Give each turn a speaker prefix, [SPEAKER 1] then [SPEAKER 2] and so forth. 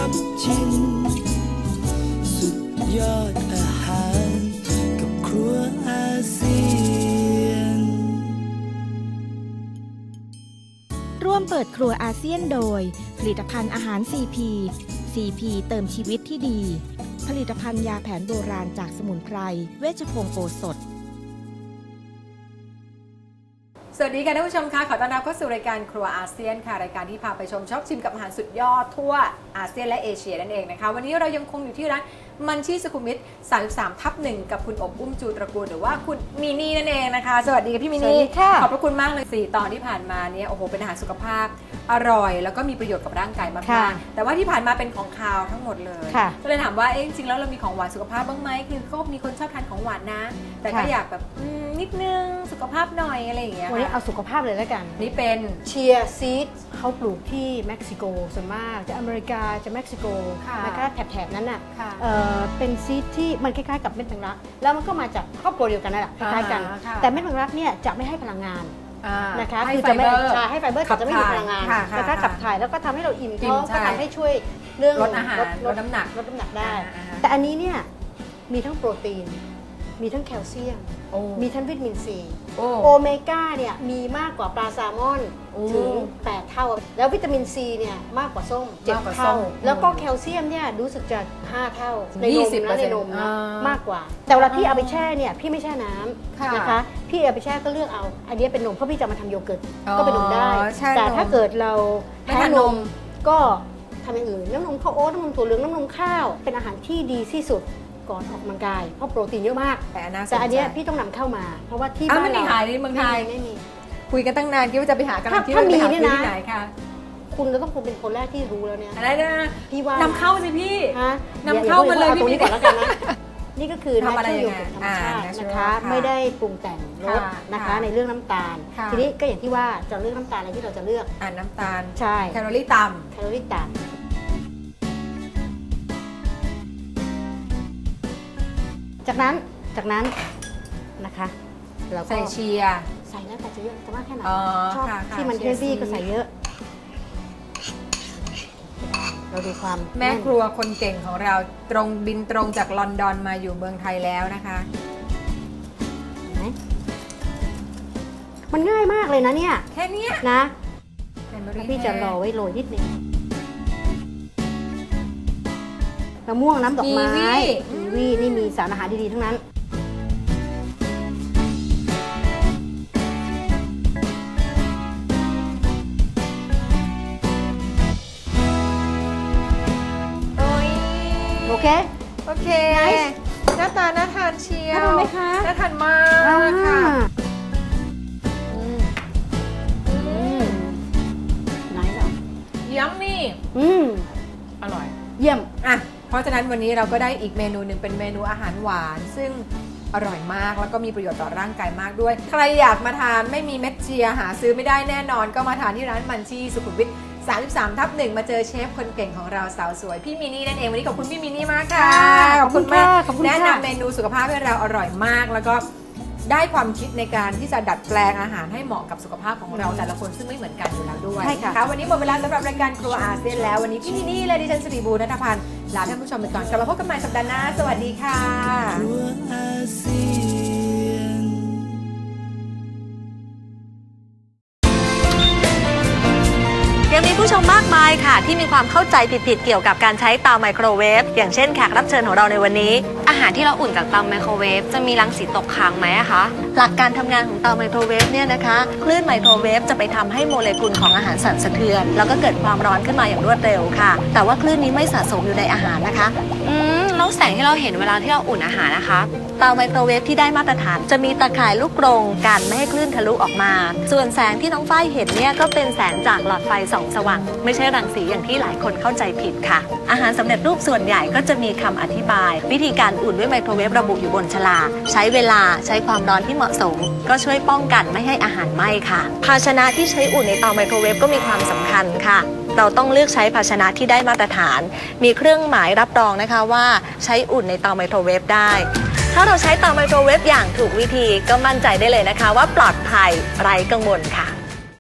[SPEAKER 1] บชิมสุดยอดอาหารกับครัวอาเซียน
[SPEAKER 2] ร่วมเปิดครัวอาเซียนโดยผลิตภัณฑ์อาหาร CP CP เติมชีวิตที่ดีผลิตภัณฑ์ยาแผนโบราณจากสมุนไพรเวชพงศ์โอสถ
[SPEAKER 3] สวัสดีค่ะท่านผู้ชมค่ะขอต้อนรับเข้าสู่รายการครัวอาเซียนค่ะรายการที่พาไปชมช็อปชิมกับอาหารสุดยอดทั่วอาเซียนและเอเชียนั่นเองนะคะวันนี้เรายังคงอยู่ที่ร้านมันชี่สุขุมวิท 33/1 กับคุณอบอุ้มจูตระกูลหรือว่าคุณมินี่นั่นเองนะคะสวัสดีค่ะพี่มินี่ขอบพระคุณมากเลย4 ตอนที่ผ่านมาเนี่ยโอ้โหเป็นอาหารสุขภาพอร่อยแล้วก็มีประโยชน์กับร่างกายมากๆแต่ว่าที่ผ่านมาเป็นของคาวทั้งหมดเลยก็เลยถามว่าจริงๆแล้วเรามีของหวานสุขภาพบ้างไหมคือก็มีคนชอบทานของหวานนะแต่ก็อยากแบบนิดนึงสุขภาพหน่อยอะไรอย่างเงี้ย
[SPEAKER 4] วันนี้เอาสุขภาพเลยแล้วกัน
[SPEAKER 3] นี่เป็น
[SPEAKER 4] เชียร์ซีดเขาปลูกที่เม็กซิโกส่วนมากจะอเมริกาจะเม็กซิโกนะคะแถบนั้นน่ะเป็นซีดที่มันคล้ายๆกับเม็ดแมงลักแล้วมันก็มาจากครอบครัวเดียวกันนั่นแหละคล้ายๆกันแต่เม็ดแมงลักเนี่ยจะไม่ให้พลังงานนะคะคือจะไม่ให้ไฟเบอร์จะไม่มีพลังงานนะคะขับถ่ายแล้วก็ทำให้เราอิ่มท้องก็ทำให้ช่วยเรื่อง
[SPEAKER 3] ลดอาหารลดน้ำหนัก
[SPEAKER 4] ได้แต่อันนี้เนี่ยมีทั้งโปรตีนมีทั้งแคลเซียมมีทั้งวิตามินซีโอเมก้าเนี่ยมีมากกว่าปลาแซลมอนถึง8 เท่าแล้ววิตามินซีเนี่ยมากกว่าส้ม7 เท่าแล้วก็แคลเซียมเนี่ยรู้สึกจะ5 เท่าในนมนะมากกว่าแต่เวลาพี่เอาไปแช่เนี่ยพี่ไม่แช่น้ำนะคะพี่เอาไปแช่ก็เลือกเอาอันนี้เป็นนมเพราะพี่จะมาทำโยเกิร์ตก็เป็นนมได้แต่ถ้าเกิดเราแพ้นมก็ทำอย่างอื่นน้ำนมข้าวโอ๊ตน้ำนมถั่วเหลืองน้ำนมข้าวเป็นอาหารที่ดีที่สุดก่อนออกกำลังกายเพราะโปรตีนเยอะมากแต่อันนี้พี่ต้องนำเข้ามาเพราะว่าที่บ้านเรา
[SPEAKER 3] ไม่มีขายในเมืองไทย
[SPEAKER 4] ไม่มี
[SPEAKER 3] คุยกันตั้งนานคิดว่าจะไปหากำลังที่
[SPEAKER 4] มี
[SPEAKER 3] เนี่ยนะ
[SPEAKER 4] คุณจะต้องเป็นคนแรกที่รู้แล้วเนี่ย
[SPEAKER 3] อะไรนะ
[SPEAKER 4] พี่ว่าน
[SPEAKER 3] ำเข้าสิพี่นำเข้ามาเลยพี่นี่
[SPEAKER 4] ก่อนแล้วกันนะนี่ก็คือทำอะไรอย่างธรรมชาตินะคะไม่ได้ปรุงแต่งรสนะคะในเรื่องน้ำตาลทีนี้ก็อย่างที่ว่าจะเลือกน้ำตาลอะไรที่เราจะเลือก
[SPEAKER 3] น้ำตาล
[SPEAKER 4] ใช่
[SPEAKER 3] แคลอรี่ต่
[SPEAKER 4] ำจากนั้นนะคะเราก็
[SPEAKER 3] ใส่เชียร์
[SPEAKER 4] ใส่แล้วแต่จะเยอะจะมากแค่ไหนชอบที่มันเฮฟวี่ก็ใส่เยอะเราดูความ
[SPEAKER 3] แม่ครัวคนเก่งของเราบินตรงจากลอนดอนมาอยู่เมืองไทยแล้วนะคะ
[SPEAKER 4] มันง่ายมากเลยนะเนี่ย
[SPEAKER 3] แค่นี้
[SPEAKER 4] นะพี่จะรอไว้โรยนิดนึงมะม่วงน้ำดอกไม้กีวีนี่มีสารอาหารดีๆทั้งนั้นโอเค
[SPEAKER 3] หน้าตาน่าทานเชียว
[SPEAKER 4] น่าทานไหมคะ
[SPEAKER 3] น่าทานมากค่ะ
[SPEAKER 4] ไหนหรอ
[SPEAKER 3] ยัมมี่อร่อย
[SPEAKER 4] เยี่ยม
[SPEAKER 3] เพราะฉะนั้นวันนี้เราก็ได้อีกเมนูหนึ่งเป็นเมนูอาหารหวานซึ่งอร่อยมากแล้วก็มีประโยชน์ต่อร่างกายมากด้วยใครอยากมาทานไม่มีเม็ดเชียร์หาซื้อไม่ได้แน่นอนก็มาทานที่ร้านมันชี่สุขุมวิท 33/1 มาเจอเชฟคนเก่งของเราสาวสวยพี่มินี่นั่นเองวันนี้ขอบคุณพี่มินี่มากค่ะ
[SPEAKER 4] ขอบคุณมาก
[SPEAKER 3] แนะนำเมนูสุขภาพให้เราอร่อยมากแล้วก็ได้ความคิดในการที่จะดัดแปลงอาหารให้เหมาะกับสุขภาพของเราแต่ละคนซึ่งไม่เหมือนกันอยู่แล้วด้วยค่ะวันนี้หมดเวลาสำหรับรายการครัวอาเซียนแล้ววันนี้พี่มินี่และดิฉันสิริบูรณ์ณัฐพันธ์ลาท่านผู้ชมไปก่อนกลับมาพบกันใหม่สัปดาห์หน้าสวัสดีค่ะ
[SPEAKER 1] ครัวอาเซียน
[SPEAKER 5] ยังมีผู้ชมมากมายค่ะที่มีความเข้าใจผิดๆเกี่ยวกับการใช้เตาไมโครเวฟอย่างเช่นแขกรับเชิญของเราในวันนี้
[SPEAKER 6] อาหารที่เราอุ่นจากเตาไมโครเวฟจะมีรังสีตกค้างไหมคะ
[SPEAKER 5] หลักการทำงานของเตาไมโครเวฟเนี่ยนะคะคลื่นไมโครเวฟจะไปทำให้โมเลกุลของอาหารสั่นสะเทือนแล้วก็เกิดความร้อนขึ้นมาอย่างรวดเร็วค่ะแต่ว่าคลื่นนี้ไม่สะสมอยู่ในอาหารนะคะ
[SPEAKER 6] แล้วแสงที่เราเห็นเวลาที่เราอุ่นอาหารนะคะ
[SPEAKER 5] เตาไมโครเวฟที่ได้มาตรฐานจะมีตะข่ายลูกกรงกันไม่ให้คลื่นทะลุออกมาส่วนแสงที่น้องฝ้ายเห็นเนี่ยก็เป็นแสงจากหลอดไฟส่องสว่างไม่ใช่รังสีอย่างที่หลายคนเข้าใจผิดค่ะอาหารสำเร็จรูปส่วนใหญ่ก็จะมีคำอธิบายวิธีการอุ่นด้วยไมโครเวฟระบุอยู่บนฉลากใช้เวลาใช้ความร้อนที่เหมาะสมก็ช่วยป้องกันไม่ให้อาหารไหม้ค่ะภาชนะที่ใช้อุ่นในเตาไมโครเวฟก็มีความสำคัญค่ะเราต้องเลือกใช้ภาชนะที่ได้มาตรฐานมีเครื่องหมายรับรองนะคะว่าใช้อุ่นในเตาไมโครเวฟได้ถ้าเราใช้เตาไมโครเวฟอย่างถูกวิธีก็มั่นใจได้เลยนะคะว่าปลอดภัยไร้กังวลค่ะ